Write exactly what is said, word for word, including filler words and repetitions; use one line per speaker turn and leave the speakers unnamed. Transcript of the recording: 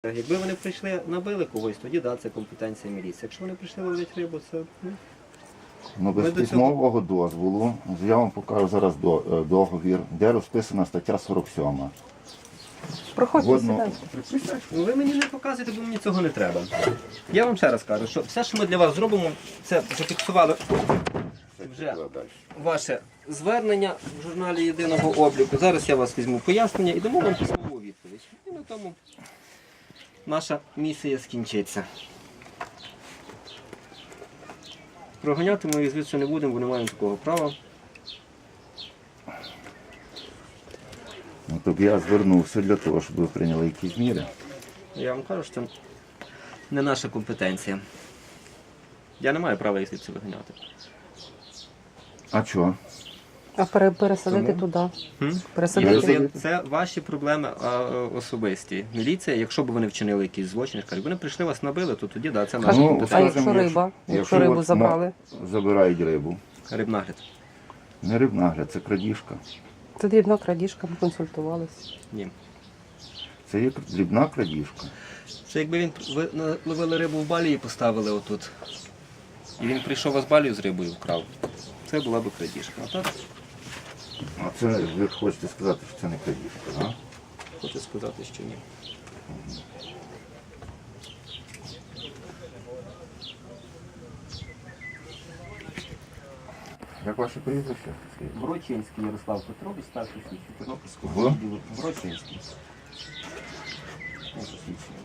Якби вони прийшли, набили когось, тоді да, це компетенція міліції. Якщо вони прийшли ловити рибу, це... Ну,
Ну, без
Ми до
письмового дозволу, я вам покажу зараз до- е, договір, де розписана стаття сорок сьома.
Проходьте,
Згодно-
сідайте.
ну, ви мені не показуєте, бо мені цього не треба. Я вам ще раз кажу, що все, що ми для вас зробимо, це зафіксували вже ваше звернення в журналі єдиного обліку. Зараз я вас візьму пояснення і дамо вам письмову відповідь. І на тому наша місія скінчиться. Проганяти ми їх звідси не будемо, бо не маємо такого права.
Ну, тобто я звернувся для того, щоб ви прийняли якісь міри.
Я вам кажу, що це не наша компетенція. Я не маю права їх звідси виганяти.
А чого?
А пере- пересадити
Тому?
туди.
Хм?
Пересадити.
Це, це ваші проблеми а, особисті. Міліція, якщо б вони вчинили якийсь злочин, кажуть, вони прийшли вас набили, то тоді да, це наша
Ну,
А
компетенція.
якщо
скажімо,
риба? Якщо
якщо
рибу
от
забрали?
Забирають рибу.
Рибнагляд.
Не рибнагляд, це крадіжка.
Це дрібна крадіжка, ми консультувалися.
Ні.
Це є дрібна крадіжка.
Це якби він ви на- ловили рибу в балі і поставили отут. І він прийшов вас балію з рибою вкрав. Це була б крадіжка. А так
А це ви хочете сказати, що це не крадіжка, так?
хочу сказати, що ні.
Як ваше прізвище? Скажіть.
Брочинський Ярослав Петрович, старший слідчий Тернопільського
Ви?
відділу. Брочинський. Ось посвідчення.